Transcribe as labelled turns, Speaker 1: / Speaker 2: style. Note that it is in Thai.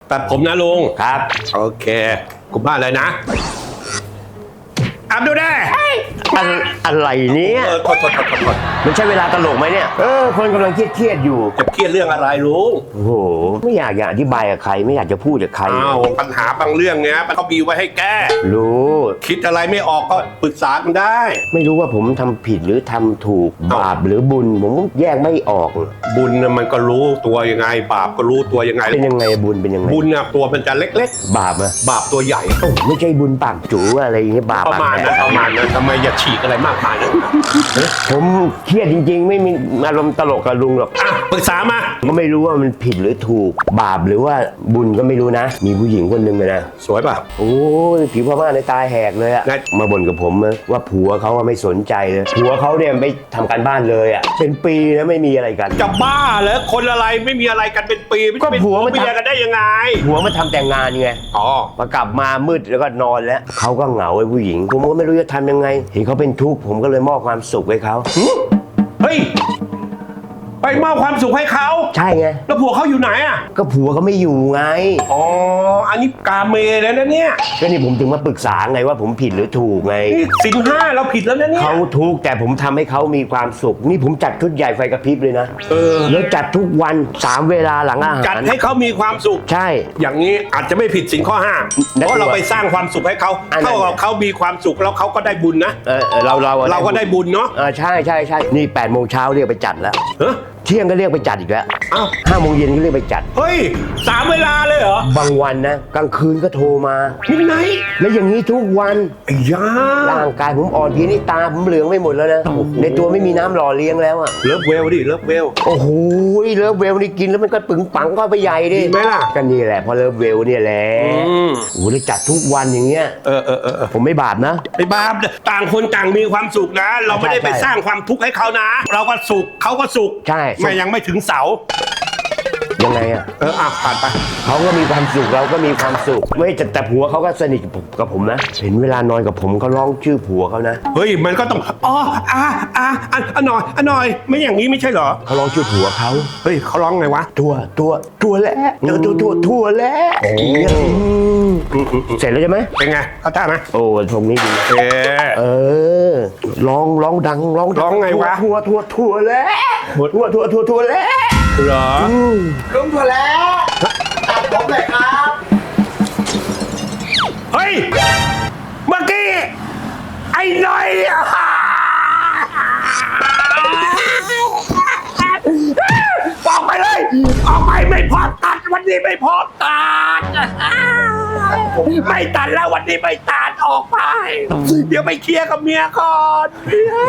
Speaker 1: ตัดผมนะลุง
Speaker 2: ครับ
Speaker 1: โอเคคุณบ้านเลยนะอับดูได้
Speaker 2: อะไรเนี่ย
Speaker 1: โทษ
Speaker 2: มันใช่เวลาตลกไหมเนี่ยคนกำลังเครียดอยู่
Speaker 1: จะเครียดเรื่องอะไรลุง
Speaker 2: โอ้โหไม่อยากอธิบายกับใครไม่อยากจะพูดกับใคร
Speaker 1: อ้าวปัญหาบางเรื่องเนี้ยมันเขามีไว้ให้แก้
Speaker 2: รู้
Speaker 1: คิดอะไรไม่ออกก็ปรึกษากันได้
Speaker 2: ไม่รู้ว่าผมทำผิดหรือทำถูกบาปหรือบุญผมก็แยกไม่ออก
Speaker 1: บุญน่ะมันก็รู้ตัวยังไง บาปก็รู้ตัวยังไง
Speaker 2: เป็นยังไงบุญเป็นยังไง
Speaker 1: บุญน่ะตัวมันจะเล็ก
Speaker 2: บาปอะ
Speaker 1: ๆ บาปตัวใหญ่
Speaker 2: โอ้ไม่ใช่บุญปากจูอะไรอย่างเงี้ยบาป
Speaker 1: ประมาณนั้นทำไมอย่าฉีกอะไรมากมายนะ
Speaker 2: ผมเครียดจริงๆ ไม่มีอารมณ์ตลกกับลุงหรอก
Speaker 1: อ่ะปรึกษามา
Speaker 2: ก็ไม่รู้ว่ามันผิดหรือถูกบาปหรือว่าบุญก็ไม่รู้นะ มีผู้หญิงคนหนึ่งเลยนะ
Speaker 1: สวยป่ะ
Speaker 2: โอ้ยผิวพม่าในตาแหกเลยอะ
Speaker 1: ไง
Speaker 2: มาบ่นกับผมนะว่าผัวเขาอะไม่สนใจเลยผัวเขาเนี่ยไม่ทำการบ้านเลยอะเป็นปีแล้วไม่มีอะไรกัน
Speaker 1: จะบ้าเหรอคนอะไรไม่มีอะไรกันเป็นปี
Speaker 2: ก็ผัวมัน
Speaker 1: เมียกันได้ยังไง
Speaker 2: ผัวมาทำแต่งงานไง
Speaker 1: อ๋อ
Speaker 2: พอกลับมามืดแล้วก็นอนแล้วเขาก็เหงาไอ้ผู้หญิงผมก็ไม่รู้จะทำยังไงเห็นเขาเป็นทุกข์ผมก็เลยมอบความสุขให้เขา
Speaker 1: เฮ้ยไปมอบความสุขให้เขา
Speaker 2: ใช่ไง
Speaker 1: แล้วผัวเขาอยู่ไหนอ่ะ
Speaker 2: ก็ผัวเขาไม่อยู่ไง
Speaker 1: อ๋ออันนี้กาเมแล้วนะเนี่ย
Speaker 2: ก็นี่ผมถึงมาปรึกษาไงว่าผมผิดหรือถูกไง
Speaker 1: นี่ศีลห้าเราผิดแล้วนะเนี่ย
Speaker 2: เขาทุกข์แต่ผมทำให้เขามีความสุข นี่ผมจัดชุดใหญ่ไฟกระพริบเลยนะแล้วจัดทุกวัน3 เวลาหลังอาหาร
Speaker 1: จัดให้เขามีความสุข
Speaker 2: ใช่
Speaker 1: อย่างนี้อาจจะไม่ผิดศีลข้อห้าเพราะเราไปสร้างความสุขให้เขา
Speaker 2: อันนั้น
Speaker 1: เท่ากับเขามีความสุขแล้วเขาก็ได้บุญนะ
Speaker 2: เรา
Speaker 1: ก็ได้บุญเนาะ
Speaker 2: ใช่นี่8 โมงเช้าเรียกไปจัดแล้ว
Speaker 1: เฮ้ย
Speaker 2: เที่ยงก็เรียกไปจัดอีกแล้ว
Speaker 1: อ้าว
Speaker 2: 5 โมงเย็นก็เรียกไปจัด
Speaker 1: เฮ้ย3 เวลาเลยเหรอบ
Speaker 2: างวันนะกลางคืนก็โทรมา
Speaker 1: มิดไนท์
Speaker 2: แล้วอย่างนี้ทุกวัน
Speaker 1: ไอ้ยา
Speaker 2: ร่างกายผมอ่อนเพลียนี่ตาผมเหลืองไปหมดแล้วนะในตัวไม่มีน้ำหล่อเลี้ยงแล้วอ่ะ
Speaker 1: เลิฟเวลดิเลิฟเวล
Speaker 2: โอ้โหเลิฟเวลนี่กินแล้วมันก็ปึงปังก็ไปใหญ่ดิ
Speaker 1: ดีไหมล่ะ
Speaker 2: ก็นี่แหละพอเลิฟเวลเนี่ยแหละโอ้โหเลยจัดทุกวันอย่างเงี้ย
Speaker 1: เออ
Speaker 2: ผมไม่บาปนะ
Speaker 1: ไอ้บาปต่างคนต่างมีความสุขนะ เราไม่ได้ไป
Speaker 2: ใช่
Speaker 1: สร้างความทุกข์ให้เขานะ เราก็สุขเขาก็สุข
Speaker 2: ใช่
Speaker 1: ไม่ยังไม่ถึงเสา
Speaker 2: ยังไงอ่ะ
Speaker 1: ผ่านไป
Speaker 2: เขาก็มีความสุขเราก็มีความสุขไม่แต่ผัวเขาก็สนิทกับผมนะเห็นเวลานอนกับผมเขาร้องชื่อผัวเขานะ
Speaker 1: เฮ้ยมันก็ต้องหน่อยไม่อย่างนี้ไม่ใช่เหรอ
Speaker 2: เขาร้องชื่อผัวเขา
Speaker 1: เฮ้ยเขาร้องไงวะ
Speaker 2: ตัวแล้วตัวแล้ว
Speaker 1: โอ้
Speaker 2: เสร็จแล้วใช่ไหม
Speaker 1: เป็นไงเขาท่าไหม
Speaker 2: โอ้ตรงนี้ดี
Speaker 1: เออ
Speaker 2: ร้องดังร้อง
Speaker 1: ร้องไงวะ
Speaker 2: ทั่วแล้วทั่วแล้ว
Speaker 1: เหรอ
Speaker 3: ลุงถั่วแล้วตัดผมเลยครับ
Speaker 1: เฮ้ยเมื่อกี้ไอ้หน่อยออกไปเลยออกไปไม่พอตัดวันนี้ไม่พอตัดไม่ตัดแล้ววันนี้ไม่ตัดออกไป เดี๋ยวไปเคลียร์กับเมียก่อนเมีย